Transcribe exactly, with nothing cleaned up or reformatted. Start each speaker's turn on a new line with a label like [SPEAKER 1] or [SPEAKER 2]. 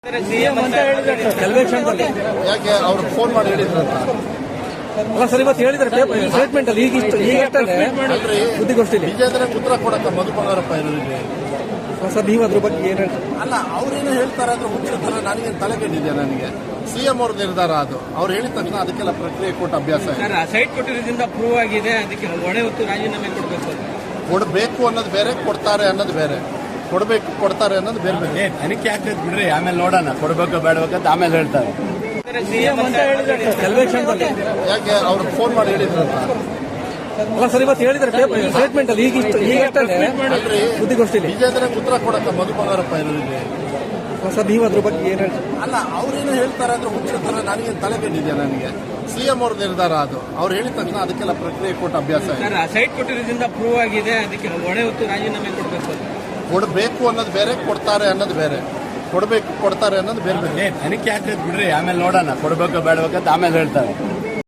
[SPEAKER 1] ಯಾಕೆ ಅವ್ರು ಫೋನ್ ಮಾಡಿ ಹೇಳಿದ್ರಂತ
[SPEAKER 2] ಅಲ್ಲ ಸರ್, ಇವತ್ತು ಹೇಳಿದ್ರೆ ಸ್ಟೇಟ್ಮೆಂಟ್ ಅಲ್ಲಿ ಈಗ ಇಷ್ಟು ಈಗ ಸುದ್ದಿಗೋಷ್ಠಿಲಿ
[SPEAKER 1] ವಿಜೇಂದ್ರ ಉತ್ತರ ಕೊಡಕ್ಕ ಮಧು ಬಂಗಾರಪ್ಪ ಇರೋದಿದೆ
[SPEAKER 2] ಸರ್. ನೀವು ಅದ್ರ ಬಗ್ಗೆ ಏನ್ ಹೇಳ್ತಾರೆ?
[SPEAKER 1] ಅಲ್ಲ, ಅವ್ರೇನು ಹೇಳ್ತಾರೆ ಅಂದ್ರೆ ಹುಚ್ಚಿರ್ತಾರೆ. ನನಗೇನು ತಲೆಗೆಟ್ಟಿದೆ. ನನಗೆ ಸಿಎಂ ಅವ್ರ ನಿರ್ಧಾರ ಅದು. ಅವ್ರು ಹೇಳಿದ ತಕ್ಷಣ ಅದಕ್ಕೆಲ್ಲ ಪ್ರಕ್ರಿಯೆ ಕೊಟ್ಟು ಅಭ್ಯಾಸ ಇದೆ.
[SPEAKER 3] ಸೈಟ್ ಕೊಟ್ಟಿರೋದ್ರಿಂದ ಪ್ರೂವ್ ಆಗಿದೆ. ಅದಕ್ಕೆ ಹೊಣೆ ಹೊತ್ತು ರಾಜೀನಾಮೆ ಕೊಡಬೇಕು.
[SPEAKER 1] ಕೊಡಬೇಕು ಅನ್ನೋದು ಬೇರೆ, ಕೊಡ್ತಾರೆ ಅನ್ನೋದು ಬೇರೆ. ಕೊಡಬೇಕು ಕೊಡ್ತಾರೆ ಅನ್ನೋದು ಬೇರೆ ಬೇರೆ.
[SPEAKER 4] ತನಿಖೆ ಆಗ್ತದೆ ಬಿಡ್ರಿ, ಆಮೇಲೆ ನೋಡೋಣ. ಕೊಡಬೇಕು ಬೇಡಬೇಕಂತ ಆಮೇಲೆ ಹೇಳ್ತಾರೆ.
[SPEAKER 1] ಯಾಕೆ ಅವ್ರು ಫೋನ್ ಮಾಡಿ ಹೇಳಿದ್ರಂತ
[SPEAKER 2] ಅಲ್ಲ ಸರ್, ಇವತ್ತು ಹೇಳಿದ್ರೆ ಸ್ಟೇಟ್ಮೆಂಟ್ ಅಲ್ಲಿ ಈಗ ಇಷ್ಟು ಈಗ ಸುದ್ದಿಗೋಷ್ಠಿಲಿ
[SPEAKER 1] ವಿಜೇಂದ್ರ ಉತ್ತರ ಕೊಡಕ್ಕ ಮಧು ಬಂಗಾರಪ್ಪ ಇರೋದಿದೆ
[SPEAKER 2] ಸರ್. ನೀವು ಅದ್ರ ಬಗ್ಗೆ ಏನ್ ಹೇಳ್ತಾರೆ?
[SPEAKER 1] ಅಲ್ಲ, ಅವ್ರೇನು ಹೇಳ್ತಾರೆ ಅಂದ್ರೆ ಹುಚ್ಚಿರ್ತಾರೆ. ನನಗೇನು ತಲೆಗೆಟ್ಟಿದೆ. ನನಗೆ ಸಿಎಂ ಅವ್ರ ನಿರ್ಧಾರ ಅದು. ಅವ್ರು ಹೇಳಿದ ತಕ್ಷಣ ಅದಕ್ಕೆಲ್ಲ ಪ್ರಕ್ರಿಯೆ ಕೊಟ್ಟು ಅಭ್ಯಾಸ ಇದೆ.
[SPEAKER 3] ಸೈಟ್ ಕೊಟ್ಟಿರೋದ್ರಿಂದ ಪ್ರೂವ್ ಆಗಿದೆ. ಅದಕ್ಕೆ ಹೊಣೆ ಹೊತ್ತು ರಾಜೀನಾಮೆ ಕೊಡಬೇಕು.
[SPEAKER 1] ಕೊಡಬೇಕು ಅನ್ನೋದು ಬೇರೆ, ಕೊಡ್ತಾರೆ ಅನ್ನೋದು ಬೇರೆ. ಕೊಡಬೇಕು ಕೊಡ್ತಾರೆ ಅನ್ನೋದು ಬೇರೆ ಬೇರೆ.
[SPEAKER 4] ತನಿಖೆ ಆಗ್ತದೆ ಬಿಡ್ರಿ, ಆಮೇಲೆ ನೋಡೋಣ. ಕೊಡಬೇಕು ಬೇಡಬೇಕಂತ ಆಮೇಲೆ ಹೇಳ್ತಾರೆ.